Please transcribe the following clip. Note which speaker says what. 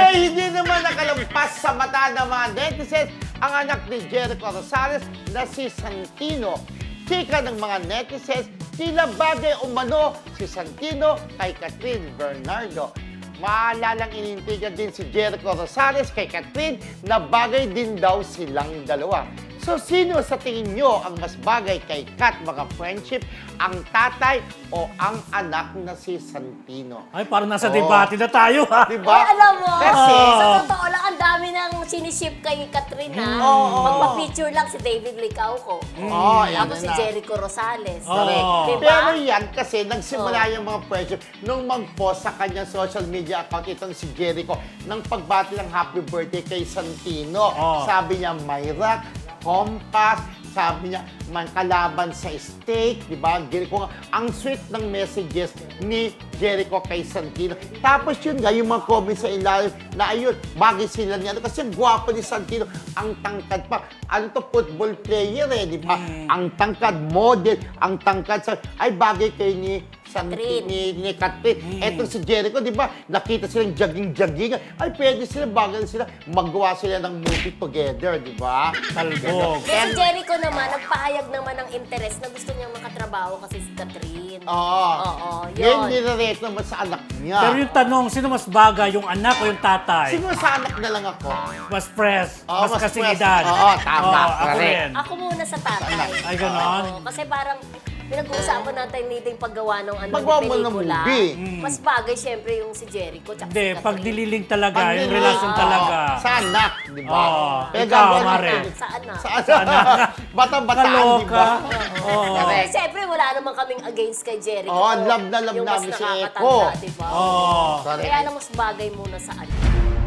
Speaker 1: hindi naman nakalampas sa mata ng mga netizens ang anak ni Jericho Rosales na si Santino. Chika ng mga netizens, tila bagay umano si Santino kay Catherine Bernardo. Maalalang inintigan din si Jericho Rosales kay Catherine na bagay din daw silang dalawa. So, sino sa tingin nyo ang mas bagay kay Kat, mga friendship? Ang tatay o ang anak na si Santino?
Speaker 2: Ay, parang nasa debate na tayo, ha?
Speaker 1: Diba?
Speaker 3: Ay, alam mo,
Speaker 1: Kasi,
Speaker 3: sa totoo lang, ang dami nang siniship kay Catherine, ha? Magpa-picture lang si David Licauco. Tapos si Jericho Rosales.
Speaker 1: Correct.
Speaker 3: Diba?
Speaker 1: Pero yan kasi nagsimula yung mga friendship nung mag-post sa kanyang social media account itong si Jericho ng pagbati ng happy birthday kay Santino. Sabi niya, Myra, Compass, sabi niya, man kalaban sa steak, di ba? Jericho, ang sweet ng messages ni Jericho kay Santino. Tapos yun nga, yung mga comments sa ilalim na ayun, bagay sila niya. Kasi ang gwapo ni Santino, ang tangkad pa. Ano to, football player eh, di ba? Ang tangkad, model, ang tangkad sa, ay bagay kay ni Catherine. Etong si Jericho, di ba? Nakita silang jogging-jogging. Ay, pwede sila, bagay sila. Magawa sila ng movie together, di ba?
Speaker 2: Talbog.
Speaker 3: Kasi si Jericho naman, nagpahayag naman ng interest na gusto niyang makatrabaho kasi si Catherine.
Speaker 1: Oo.
Speaker 3: Yun.
Speaker 1: Yan nire-rate naman sa anak niya.
Speaker 2: Pero yung tanong, sino mas bagay, yung anak o yung tatay?
Speaker 1: Siguro sa anak na lang ako.
Speaker 2: Mas fresh,
Speaker 1: Oo,
Speaker 2: mas
Speaker 1: mas
Speaker 2: kasing
Speaker 1: fresh.
Speaker 2: edad.
Speaker 1: Oo, tama,
Speaker 2: Ako
Speaker 1: correct.
Speaker 2: rin.
Speaker 3: Ako muna sa tatay.
Speaker 2: Ay, ganon?
Speaker 3: Oo, kasi parang pinag-uusapan natin dito yung paggawa ng
Speaker 1: Paggawa mo ng
Speaker 3: pelikula.
Speaker 1: movie.
Speaker 3: Mas bagay syempre yung si Jericho tsaka
Speaker 2: Hindi,
Speaker 3: si
Speaker 2: pag
Speaker 3: Catherine.
Speaker 2: dililing talaga,
Speaker 1: Pag
Speaker 2: yung
Speaker 1: nila-
Speaker 2: relasyon talaga.
Speaker 1: Sa anak, di ba?
Speaker 2: Oo.
Speaker 1: Kaya
Speaker 2: Ikaw,
Speaker 1: gagawa
Speaker 2: Mare.
Speaker 1: natin-
Speaker 3: Saan na?
Speaker 1: Sa anak. Bata-bataan, di ba?
Speaker 2: Oo.
Speaker 1: Correct.
Speaker 3: Siyempre, wala naman kaming against kay Jericho.
Speaker 1: Oo, love na love
Speaker 3: Yung
Speaker 1: namin
Speaker 3: mas
Speaker 1: si
Speaker 3: nakakatanda,
Speaker 1: Eko.
Speaker 3: di ba?
Speaker 2: Oo.
Speaker 1: Correct.
Speaker 3: Kaya lang mas bagay muna sa anak.